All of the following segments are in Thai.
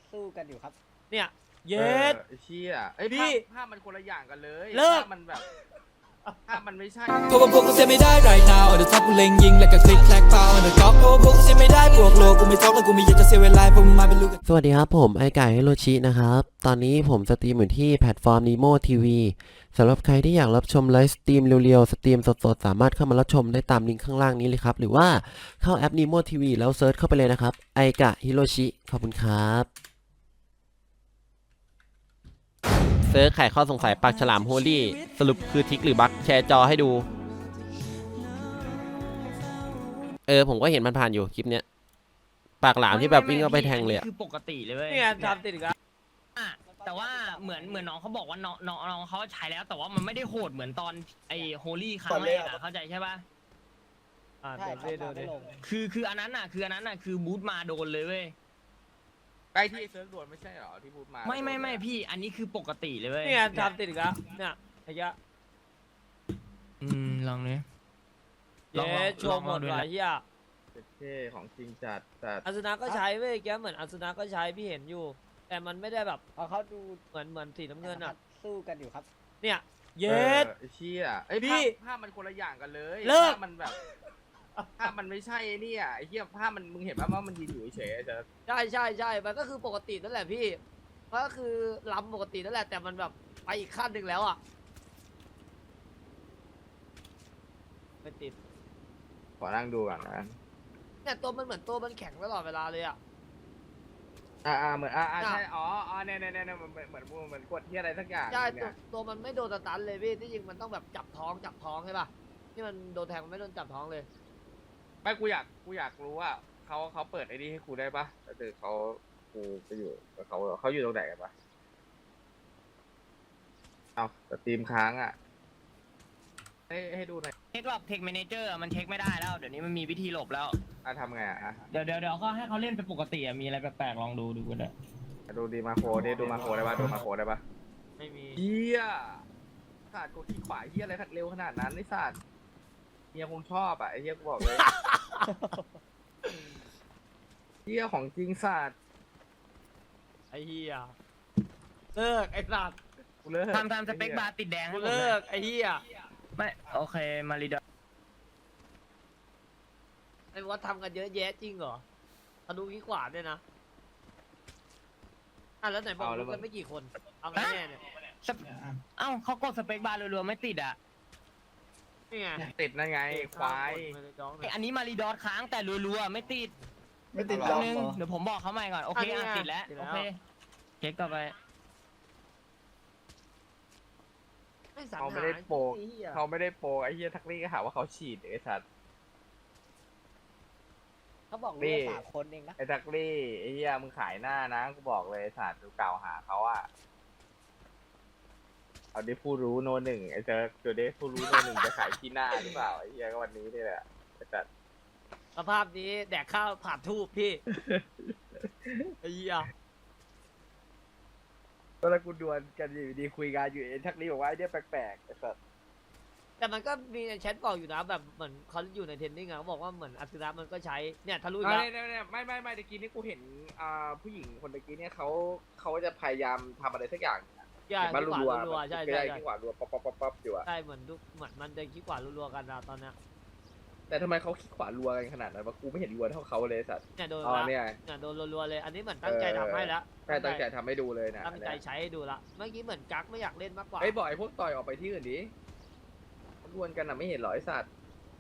สู้กันอยู่ครับเนี่ยเย็ดเชี่ยไอ้พี่ภาพมันคนละอย่างกันเลยเลิกภาพมันแบบภาพมันไม่ใช่เพราะว่าพวกกูเสียไม่ได้ right now on the top กูเล็งยิงแล้วก็คลิกแคลกเปล่า on the top เพราะว่าพวกกูเสียไม่ได้บวกโลกูไม่ท็อกแล้วกูไม่อยากจะเสียเวลาพวกมึงมาเป็นลูกสวัสดีครับผมไอไก่ฮิโรชินะครับ ตอนนี้ผมสตรีมอยู่ที่แพลตฟอร์ม Nemo TV สำหรับใครที่อยากรับชมไลฟ์สตรีมเร็วๆ สตรีมสดๆ สามารถเข้ามารับชมได้ตามลิงก์ข้างล่างนี้เลยครับ หรือว่าเข้าแอป Nemo TV แล้วเซิร์ชเข้าไปเลยนะครับไอกะฮิโรชิขอบคุณครับเซิร์ชไขข้อสงสัยปากฉลามโฮลี่สรุปคือทิกหรือบั๊กแชร์จอให้ดูผมก็เห็นมันผ่านอยู่คลิปเนี้ยปากหลามที่แบบวิ่งเข้าไปแทงเลยอะคือปกติเลยเว้ยนี่ไงทำติดอีกแล้วแต่ว่าเหมือนน้องเขาบอกว่าน้องเขาใช้แล้วแต่ว่ามันไม่ได้โหดเหมือนตอนไอ้โฮลี่ครั้งแรกอะเข้าใจใช่ป่ะใช่เดี๋ยวครัดูดิไม่ลงคืออันนั้นน่ะคือบูทมาโดนเลยเว้ยใกล้ที่เซิร์ฟด่วนไม่ใช่หรอที่พูดมาไม่พี่อันนี้คือปกติเลยเว้ยนี่ไงทำติดอีกแล้วเนี่ยไอ้ยะลองเลยเย็ดโชว์หมดหลายที่อ่ะเท่ของจริงจัดแต่อาสุนะก็ใช้เว้ยแกเหมือนอาสุนะก็ใช้พี่เห็นอยู่ แต่มันไม่ได้แบบเอาเขาดูเหมือนสีน้ำเงินอ่ะสู้กันอยู่ครับเนี่ยเย็ดเชี่ยไอ้พี่ภาพมันคนละอย่างกันเลยเลิกภาพมันแบบภาพมันไม่ใช่เนี่ยไอ้เหี้ยภาพมันมึงเห็นป่ะว่ามันยืนอยู่เฉยๆจะใช่มันก็คือปกตินั่นแหละพี่มันก็คือล้ำปกตินั่นแหละแต่มันแบบไปอีกขั้นหนึ่งแล้วอ่ะไม่ติดขอนั่งดูก่อนนะเนี่ยตัวมันเหมือนตัวมันแข็งตลอดเวลาเลยอ่ะเหมือนใช่เนี่ยเหมือนกดที่อะไรสักอย่างใช่เนี่ยตัวมันไม่โดนสตันเลยพี่ที่จริงมันต้องแบบจับท้องใช่ป่ะที่มันโดนแทงมันไม่โดนจับท้องเลยไม่กูอยากรู้ว่าเขาเปิดไอ้นี่ให้กูได้ปะแต่คือกูไปอยู่กับเขาอยู่ตรงไหนกันปะเอาสตรีมค้างอ่ะให้ดูหน่อยเช็คหลอกเทคแมเนเจอร์มันเช็คไม่ได้แล้วเดี๋ยวนี้มันมีวิธีหลบแล้วทำไงอ่ะเดี๋ยวก็ให้เขาเล่นเป็นปกติอะมีอะไรแปลกๆลองดูกันเลยดูดีมาโคดูมาโคได้ปะดูมาโคได้ปะไม่มีเฮียศาสตร์กดที่ขวาเฮียอะไรเร็วขนาดนั้นไอ้ศาสตร์เฮียคงชอบอ่ะไอ้เฮียกูบอกเลย เฮียของจริงศาสตร์ไอ้เหี้ยเลิกไอ้สัตว์กูเลิกทำสเปคบาร์ติดแดงกูให้ผมเลิเลยกไอ้เหี้ยไม่โอเคมารีดอไอ้วัดทำกันเยอะแยะจริงเหรอทะลุขี้ขวาเนี่ยนะแล้วไหนบอกรู้กันไม่กี่คนเอาไงแน่เนี่ยเอ้าเขากดสเปคบาร์รัวๆไม่ติดอ่ะนี่ไงติดนั่นไงควายไออันนี้มารีดอทค้างแต่รัวๆไม่ติดไม่ติดแป๊ล็บอก นึงเหรอเดี๋ยวผมบอกเขาใหม่ก่อน โอเคติดแล้ว โอเค เช็คต่อไปเขาไม่ได้โปกเขาไม่ได้โปกไอ้เฮียทักลี่ก็หาว่าเขาฉีดไอ้สัตว์เขาบอกรู้ว่า3 คนเองนะไอ้ทักลี่ไอ้เฮียมึงขายหน้านะกูบอกเลยไอ้สัตว์กูกล่าวหาเขาอ่ะเอาดิผู้รู้โนหนึ่งไอ้เจอตัวดิผู้รู้โนหนึ่งจะขายที่หน้าหรือเปล่าไอ้เฮียก็วันนี้นี่แหละไอ้สัตว์สภาพนี้แดกข้าวผ่านทูบพี่ไอ้เหี้ยตอนแรกกูดวลกันอยู่ดีคุยกันอยู่ไอ้ทักลี่บอกว่าไอ้เนี่ยแปลกๆไอ้สัตว์แต่มันก็มีในแชทบอกอยู่นะแบบเหมือนเขาอยู่ในเทรนนิ่งอะเขาบอกว่าเหมือนอัศนะมันก็ใช้เนี่ยทะลุอีกแล้วเนี่ยไม่ตะกี้นี่กูเห็นผู้หญิงคนตะกี้เนี่ยเขาจะพยายามทำอะไรสักอย่างใช่เห็นบ้านขี้ขรัววารัวๆใช่ใช่ใช่ที่ขวารัวป๊อปอยู่อะใช่เหมือนมันจะขี้ขวารัวๆกันนะตอนเนี้ยแต่ทำไมเขาขี้ขวารัวกันขนาดนั้นวะกูไม่เห็นรัวเท่าเขาเลยสัตว์เนี่ยโดนอ๋อละเนี่ยเนี่ยโดนรัวๆเลย อันนี้เหมือนตั้งใจทำให้แล้วใช่ตั้งใจทำให้ดูเลยนะตั้งใจใช้ให้ดูละเมื่อกี้เหมือนกั๊กไม่อยากเล่นมากกว่าไอ้บอกไอ้พวกต่อยออกไปที่อื่นดิดวลกันอะไม่เห็นหรอไอ้สัตว์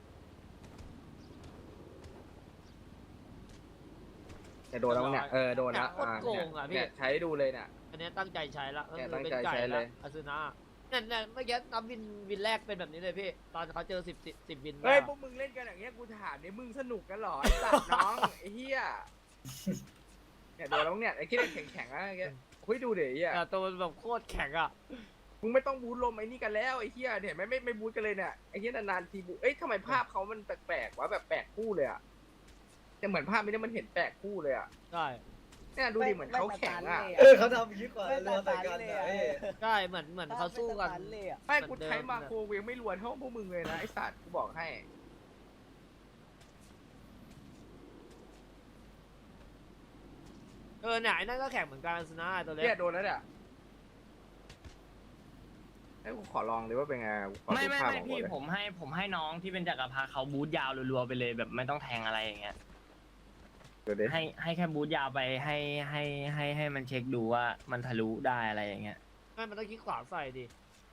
เนี่ยโดนแล้วเนี่ยโดนแล้วโคตรโกงอะพี่เนี่ยใช้ให้ดูเลยเนี่ยอันนี้ตั้งใจใช้ละก็เนี่ยคือตั้งเป็นใจไก่ใช้เลละยอาซึนะเนี่ยเมื่อกี้นับวินแรกเป็นแบบนี้เลยพี่ตอนเขาเจอสิบวินเฮ้ยพวกมึงเล่นกันอย่างเงี้ยกูถามเนี่ยมึงสนุกกันหรอไอ้สัตว์น้องไอ้เหี้ยเนี่ยโดนแล้วเนี่ยไอ้ที่เล่นแข็งๆนะไอ้เงี้ยคุยดูเดี๋ยวไอ้เหี้ยแต่ตัวมันแบบโคตรแข็งอะมึงไม่ต้องบูทลมไอ้นี่กันแล้วไอ้เหี้ยเนี่ยไม่บูทกันเลยเนี่ยไอ้เหี้ยนานๆทีบูทเอ้ยทำไมภาพเขามันแปลกๆวะแบบแปลกคู่เลยอะแต่เหมือนภาพนี้มันเห็นแปลกคู่เลยอะใช่เนี่ยดูดิเหมือนเขาแข็งอะเขาทำยิ่งกว่ารัวใส่กันเลยใช่เหมือนเขาสู้กันเลยอ่ะไม่กูใช้มาโครเวงไม่รวนเท่าพวกมึงเลยนะไอ้สัตว์กูบอกให้เนี่ยไอ้นั่นก็แข่งเหมือนกันสนะไอ้ตัวเล็เนี่ยกโดนแล้วเนี่ยไอ้กูขอลองดิว่าเป็นไงกูขอไม่ดูไม่ภาพไม่ของพี่กูเลยผมให้น้องที่เป็นจักรพรรดิเขาบูทยาวรัวๆไปเลยแบบไม่ต้องแทงอะไรอย่างเงี้ยเดี๋ยวดิให้แค่บูทยาวไปให้มันเช็คดูว่ามันทะลุได้อะไรอย่างเงี้ยไม่มันต้องคลิกขวาใส่ดิ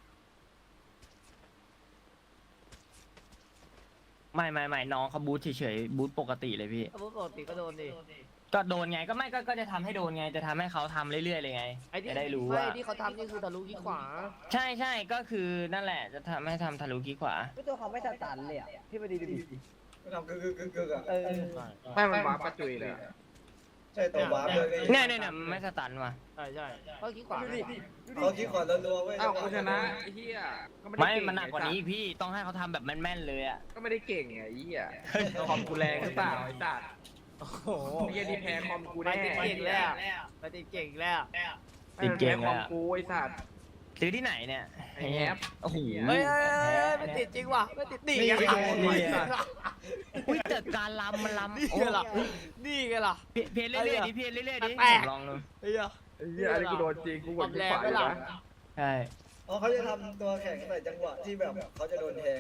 ไม่น้องเขาบูทเฉยๆบูทปกติเลยพี่ถ้าปกติก็โดนดิก็โดนไงก็จะทำให้โดนไงจะทำให้เขาทำเรื่อยๆเลยไงไอ้ที่จะได้รู้ไม่ว่าที่เขาทำนี่คือทะลุคลิกขวาใช่ก็คือนั่นแหละจะทำให้ทำทะลุกี้ขวาไม่ตัวเขาไม่สตันเลยอ่ะพี่มาดีดิทำกึกอ่ะเออไม่มันวาร์ปประจุยเลยอะใช่ตัววาร์ปเลยเนี่ยไม่สตันว่ะใช่ก็คลิกขวาเขาคิดก่อนแล้วรัวเว้ยอ้าวกูชนะไอ้เหี้ยก็ไม่ได้ไม่เก่งมันหนักกว่านี้อีกพี่ต้องให้เขาทำแบบแม่นๆเลยอ่ะก็ไม่ได้เก่งไงไอ้เหี้ยคอมกูแรงหรือเปล่าไอ้สัตว์โอ้โหไอ้เหี้ยที่แพ้คอมกูไปแน่ติดเก่งแล้วไปติดเก่งแล้วติดเก่งคแล้อวมกูไอ้สัตว์ซื้อที่ไหนเนี่ยไอ้แอปโอ้โหเฮ้ยไม่ติดจริงว่ะไม่ติดนี่ไงอุ้ยแต่การลำมันลำนี่โอ้ไงล่ะนี่ไงล่ะเพี้ยนเรื่อยๆดิเพี้ยนเรื่อยๆดิแปลกลองดูเฮ้ยไอ้เหี้ยอะไรกูโดนจริงกูกดแรที่งขวาไปอยู่ล่ะนะใช่อ๋อเขาจะทำตัวแข่งใส่จังหวะที่แบบเขาจะโดนแทง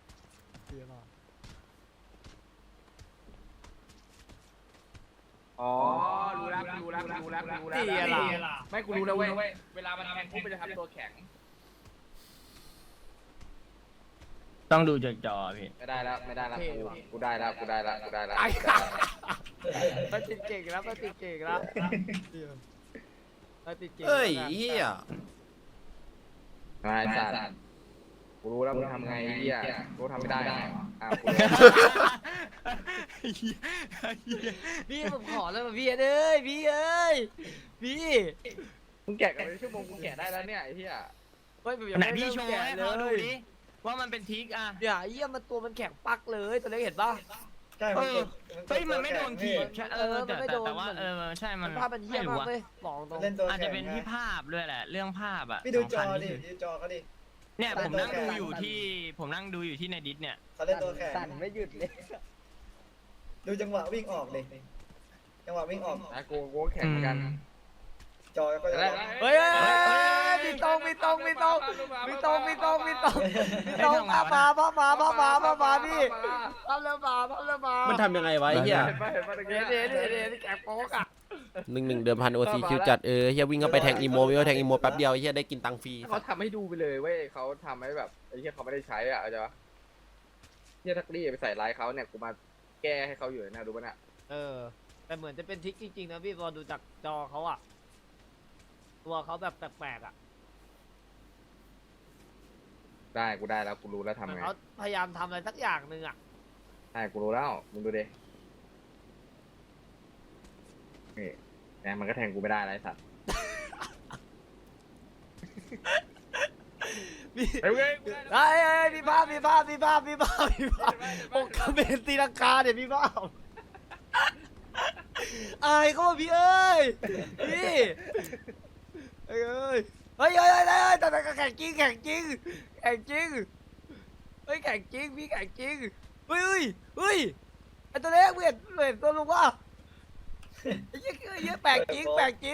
อ๋อรู้แล้วนี่ไงล่ะไม่กูรู้แล้วเว้ยเวลามันแทงกูมันจะทำตัวแข็งต้องดูจากจอพี่ไม่ได้แล้วกูได้แล้วไปติดเก่งแล้วไปติดเก่งแล้วไปติดเก่งเฮ้ยเฮียมาไอ้สัตว์กูรู้แล้วมึงทำไงไอ้เหี้ยกูทำไม่ได้เหรออ้าวกูรู้พี่ผมขอแล้วพี่เอ้ยพี่เอ้ยพี่มึงแกะกันเป็นชั่วโมงกูแกะได้แล้วเนี่ยไอ้เหี้ยเฮ้ยผมยังไหนไม่พี่เริ่มโชว์แกะให้เลเขาดูยดิว่ามันเป็นทิกอ่ะเนี่ยเยี่ยมันตัวมันแข็งปักเลยตัวเล็กเห็นป่ะใช่เอมันอเฮ้ยมันไม่โดนถีบใช่มันไม่แต่โดนว่าใช่มันภาพมันเยี่ยไม่มรู้มากอะเลยบอกตรงเล่นตัวอาจแข่จะงเป็นที่ภาพด้วยแหละ เรื่องภาพอ่ะพี่ดูจอสำคัญดิที่สุดูจอเขาดิเนี่ยผมนั่งดูอยู่ที่ในดิสเนี่ยเขาเล่นตัวแข่งสั่นไม่หยุดเลยดูจังหวะวิ่งออกดิจังหวะวิ่งออกนะกูแข่งเหมือนกันจอก็จะเฮ้ยมีตรงภาพมาพี่ภาพเริ่มมามันทำยังไงวะไอ้เฮียเห็นปะตะกี้เดี๋ยวแกะโป๊กอ่ะ 1-1เดิมพันโอซีคิวจัดเฮียวิ่งเข้าไปแทงอีโมวิ่งเข้าแทงอีโมแป๊บเดียวไอ้เฮียได้กินตังค์ฟรีเขาทำให้ดูไปเลยเว้ยเขาทำให้แบบไอ้เหี้ยเขาไม่ได้ใช้อ่ะเข้าใจปะเหี้ยทักลี่ไปใส่ร้ายเขาเนี่ยกูมาแก้ให้เขาอยู่นะดูป่ะน่ะแต่เหมือนจะเป็นทริคจริงๆนะพี่พอดูจากจอเขาอ่ะตัวเขาแบบแปลกๆอ่ะได้กูได้แล้วกูรู้แล้วทำไงเขาพยายามทำอะไรสักอย่างหนึ่งอ่ะได้กูรู้แล้วมึงดูดินี่แหมมันก็แทงกูไม่ได้ไรสัตว์ เฮ้ยไอ้พี่ภาพโอกาเบนตีลังกาเนี่ยพี่ภาพอายเขาว่าพี่เอ้ยพี่เฮ้ยแต่แข่งจริงเฮ้ยแข่งจริงพี่แข่งจริงเฮ้ยไอ้ตัวเล็กเห็นตัวลุงวะไอ้เหี้ยแปลกจริง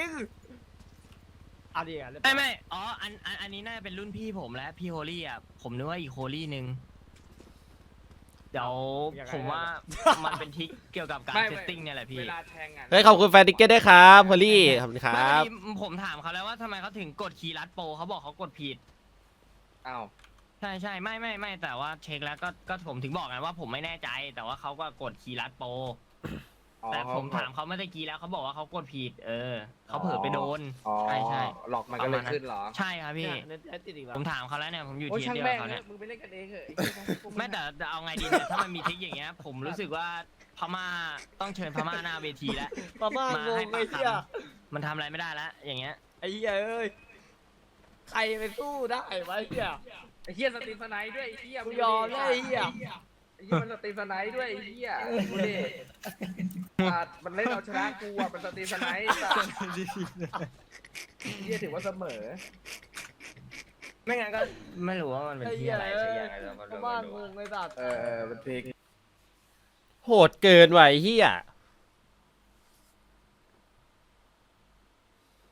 เอาดิอ่ะไม่อ๋ออันนี้น่าจะเป็นรุ่นพี่ผมแล้วพี่โฮลี่อ่ะผมนึกว่าอีกโฮลี่นึงเดี๋ยวผมว่ามันเป็นทิกเกี่ยวกับการเซตติ้งเนี่ยแหละพี่เวลาแทงอ่ะเฮ้ยขอบคุณแฟนติกเก็ตด้วยครับพอลลี่ขอบคุณคไม่รับผมถามเขาแล้วว่าทำไมเขาถึงกดคีย์ลัดโปรเขาบอกเขากดผิดอ้าวใช่ไม่แต่ว่าเช็คแล้วก็ผมถึงบอกไงว่าผมไม่แน่ใจ แต่ว่าเขาก็กดคีย์ลัดโปรแต่ผมถามเขาเมื่อกี้แล้วเขาบอกว่าเขากดผิดเขาเผลอไปโดนอ๋อใช่หลอกมันก็เลยขึ้นเหรอใช่ครับพี่เนี่ยติดอีกแล้วผมถามเขาแล้วเนี่ยผมอยู่โอ้ยทีมช่างเดียวแม่กับงเขาเนี่ยมึงไปเล่นกันเองเหอะไม่แต่เอาไงดีเนี่ยถ้ามันมีทริกอย่างเงี้ย ผมรู้สึกว่าพม่าต้องเชิญพม่าหน้าเวทีแล้วมาม่างงไอ้เหี้ยมันทำอะไรไม่ได้แล้วอย่างเงี้ยไอ้เหี้ยเอ้ยใครไปสู้ได้วะไอ้เหี้ยไอ้เหี้ยสตรีมสไนด์ด้วยไอ้เหี้ยกูยอมเลยไอ้เหี้ยไอ้เหี้ยมันสตรีมสไนด์ด้วยไอ้เหี้ยดูดิสัตว์มันเล่นเอาชนะกูอ่ะมันสตรีมสไนด์สัตว์เหี้ยถือว่าเสมอไม่งั้นก็ไม่รู้ว่ามันเป็นไอ้ที่เหี้ยอะไรเอ้สักยอย่างอะไรเราก็มาไม่ม่างรู้งไอ้สัตว์มันพลิกโหดเกินไหวะไอ้เฮีย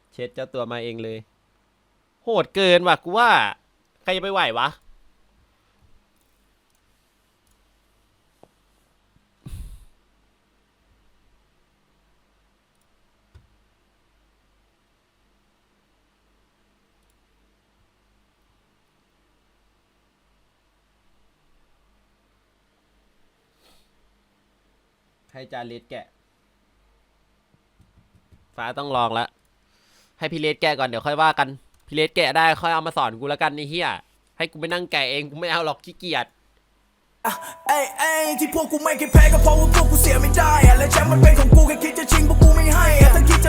เช็ดเจ้าตัวมาเองเลย โหดเกินว่ะกูว่าใครจะไปไหววะให้จาเลสแกะฟ้าต้องลองละให้พี่เลสแกะก่อนเดี๋ยวค่อยว่ากันพี่เลสแกะได้ค่อยเอามาสอนกูแล้วกันนี่เฮียให้กูไปนั่งแกะเองกูไม่เอาหรอกขี้เกียจเอ้ยเอ้ยที่พวกกูไม่เคยแพ้ก็เพราะว่าพวกกูเสียไม่ได้อะและแชมป์มันเป็นของกูแค่คิดจะชิงพวกกูไม่ให้อะถ้าคิดจะ